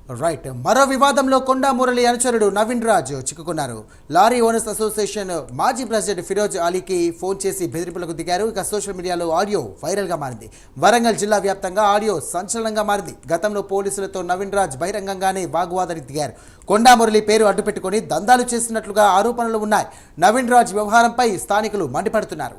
Right. మరో వివాదంలో కొండా మురళి అనుచరుడు నవీన్ రాజ్ చిక్కుకున్నారు. లారీ ఓనర్స్ అసోసియేషన్ మాజీ ప్రెసిడెంట్ ఫిరోజ్ అలీకి ఫోన్ చేసి బెదిరింపులకు దిగారు. ఇక సోషల్ మీడియాలో ఆడియో వైరల్గా మారింది. వరంగల్ జిల్లా వ్యాప్తంగా ఆడియో సంచలనంగా మారింది. గతంలో పోలీసులతో నవీన్ రాజ్ బహిరంగంగానే వాగ్వాదానికి దిగారు. కొండా మురళి పేరు అడ్డుపెట్టుకుని దందాలు చేస్తున్నట్లుగా ఆరోపణలు ఉన్నాయి. నవీన్ రాజ్ వ్యవహారంపై స్థానికులు మండిపడుతున్నారు.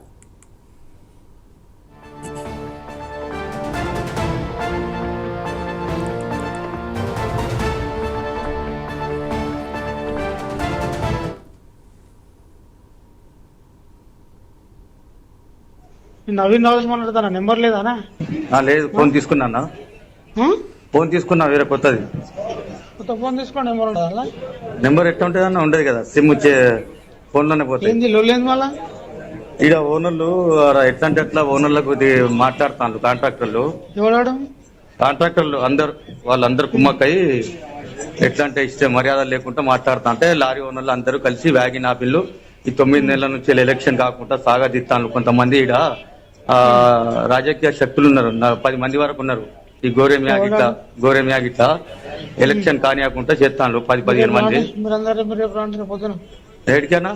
నవీన్ రాజ్ మాట్లాడతానా? నెంబర్ లేదానా? లేదు, ఫోన్ తీసుకున్నా. ఫోన్ తీసుకున్నా, వేరే కొత్తది. కొత్త ఫోన్ తీసుకోండి. నెంబర్ ఉండదా? నెంబర్ ఎట్లా ఉంటుంది అన్న? ఉండదు కదా, సిమ్ ఫోన్ లోనే పోతుంది. ఏంది లొల్లేంది మళ్ళా? ఈడ ఓనర్లు ఎట్లా అంటే అట్లా ఓనర్లకు మాట్లాడుతాను. కాంట్రాక్టర్లు వాళ్ళందరూ కుమ్మక్కయి ఎట్లా అంటే ఇష్ట మర్యాద లేకుండా మాట్లాడుతా అంటే లారీ ఓనర్లు అందరూ కలిసి వ్యాగిన్ ఆపిల్లు ఈ 9 నెలల నుంచి ఎలక్షన్ కాకుండా సాగదీస్తాను. కొంతమంది ఈడ రాజకీయ శక్తులు ఉన్నారు, 10 మంది వరకు ఉన్నారు. ఈ గోరెమియా గిట్లా ఎలక్షన్ కానియకుండా చేస్తాను 10-15 మంది. ఏడికన్నా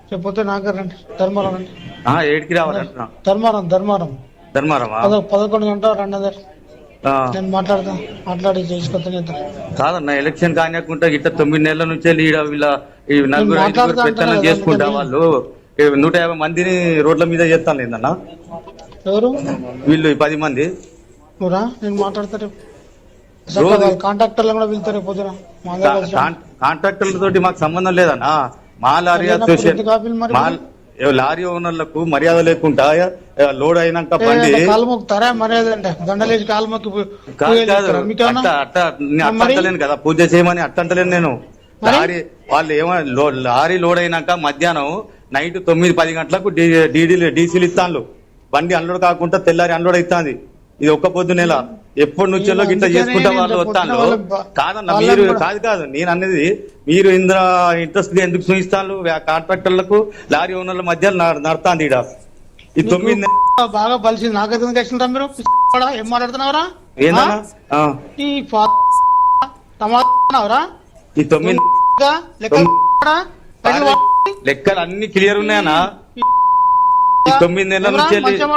ఏడికి రావాలంటున్నా? ధర్మారమా? 11 గంటల 2 మాట్లాడి చేసుకొస్తా కాదన్న. ఎలక్షన్ కానియకుండా ఇట్లా 9 నెలల నుంచి వీళ్ళ నలుగురు పెత్తనం చేసుకుంటా వాళ్ళు 150 మందిని రోడ్ల మీద చేస్తాను లేదన్న. ఎవరు వీళ్ళు 10 మంది. నేను మాట్లాడతారు కాంట్రాక్టర్లు కూడా వెళ్తారు. కాంట్రాక్టర్ల తోటి మాకు సంబంధం లేదన్నా. మా లారీ అసోసియేషన్ లారీ ఓనర్లకు మర్యాద లేకుండా లోడ్ అయినాక బండి కాలు మొక్కుతారా? మర్యాద అంటే దండలేసి కాలు మొక్కి అంటలేను కదా, పూజ చేయమని అంటలేను నేను. వాళ్ళు లారీ లోడ్ అయినాక మధ్యాహ్నం నైట్ 9-10 గంటలకు డీసీలు ఇస్తాను. బండి అన్లోడ్ కాకుండా తెల్లారి అన్లోడ్ అవుతుంది. ఇది ఒక్క పొద్దు నెల. ఎప్పటి నుంచో గిట్లా చేసుకుంటా వాళ్ళు వస్తాను. కాదన్న, మీరు కాదు నేను అనేది, మీరు ఇంట్రెస్ట్ ఎందుకు చూపిస్తాను? కాంట్రాక్టర్లకు లారీ ఓనర్ల మధ్య నడుతుంది ఈడ. ఈ 9 బాగా బలిసింది. నాకైతే తెచ్చుకుంటా. మీరు ఏం మాట్లాడుతున్నారా? ఏందన్నా ఈ 9 లెక్కలు అన్ని క్లియర్ ఉన్నాయన్నా. ఈ 9 నెలల నుంచి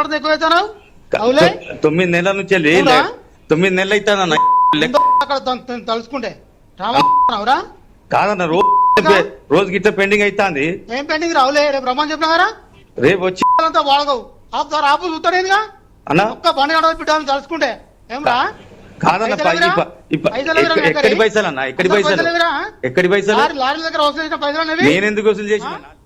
9 నెలల నుంచి 9 నెలలు అవుతానన్న తలుసుకుంటే కాదన్న. రోజు గిట్ల పెండింగ్ అవుతుంది. ఏం పెండింగ్ రావులే? రేపు రమ్మని చెప్పినా రేపు వచ్చి వాడగవు ఆపు చూస్తాడేగా అన్న. ఒక్క బండి గడవ పెట్టాలని తలుసుకుంటే ఏం రా? కాదన్న, ఎక్కడి పైసలు అన్న? ఎక్కడి పైసలు? లారీ దగ్గర వసూలు చేసిన పైసలు నేను ఎందుకు వసూలు చేసిన?